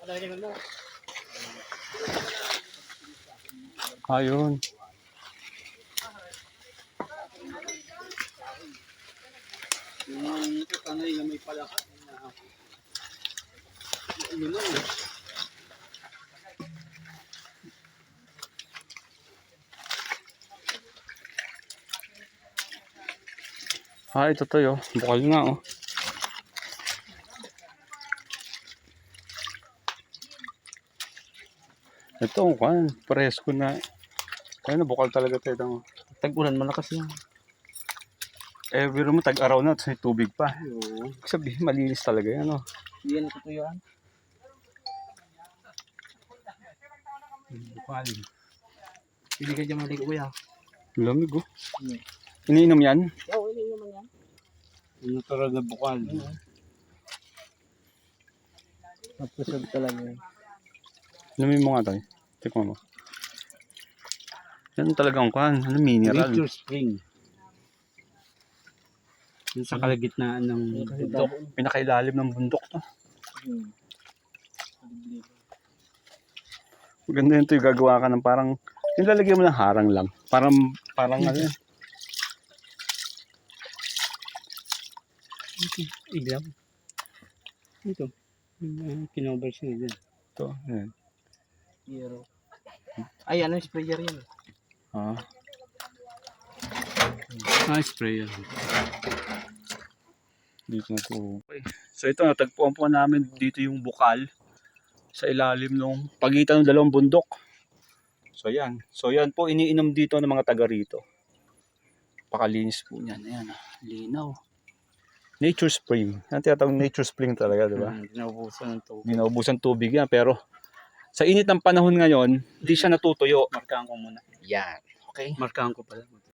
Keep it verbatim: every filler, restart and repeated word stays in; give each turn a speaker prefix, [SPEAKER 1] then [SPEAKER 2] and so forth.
[SPEAKER 1] Ayun.
[SPEAKER 2] Yung tanay na may palakad. Ano lang eh.
[SPEAKER 1] Ah, ito to yo. Bukal nga oh. Ito kan, presko na. Ayun, bukal talaga tayo.
[SPEAKER 2] Tag-ulan malakas yan.
[SPEAKER 1] Eh, biro mo tag-araw na, may tubig pa.
[SPEAKER 2] Oo.
[SPEAKER 1] Sabihin, malinis talaga yan oh.
[SPEAKER 2] Hindi yan natutuyuan.
[SPEAKER 1] Bukal.
[SPEAKER 2] Hindi ka dyan maligo kuya.
[SPEAKER 1] Lamig oh.
[SPEAKER 2] Hmm.
[SPEAKER 1] Iniinom yan?
[SPEAKER 2] Oo, hindi naman yan. Yung natural na bukal. Napusog talaga yun.
[SPEAKER 1] Inumin mo nga tayo. Tikman mo. Yan talagang kan, ano mineral.
[SPEAKER 2] Nature spring. Yung sa kalagitnaan ng bundok.
[SPEAKER 1] Pinakailalim ng bundok to.
[SPEAKER 2] Hmm.
[SPEAKER 1] Maganda yun to yung gagawa ka ng parang, yung lalagyan mo ng harang lang. Parang, parang ano yun.
[SPEAKER 2] Ito, ilaw. Ito. Kinover siya dyan.
[SPEAKER 1] Ito, yan.
[SPEAKER 2] Zero. Ay, ano yung sprayer yan?
[SPEAKER 1] Ah.
[SPEAKER 2] Ah, sprayer.
[SPEAKER 1] Dito na to. Okay. So ito, natagpuan po namin dito yung bukal sa ilalim ng pagitan ng dalawang bundok. So yan. So yan po iniinom dito ng mga taga rito. Pakalinis po niyan. Ayan, linaw. Nature spring. Yan tinatawag nature spring talaga, di ba?
[SPEAKER 2] Hmm, Naubusan ng tubig.
[SPEAKER 1] Hindi naubusan tubig yan, pero sa init ng panahon ngayon, hindi siya natutuyo.
[SPEAKER 2] Markahan ko muna.
[SPEAKER 1] Yan. Okay.
[SPEAKER 2] Markahan ko pala.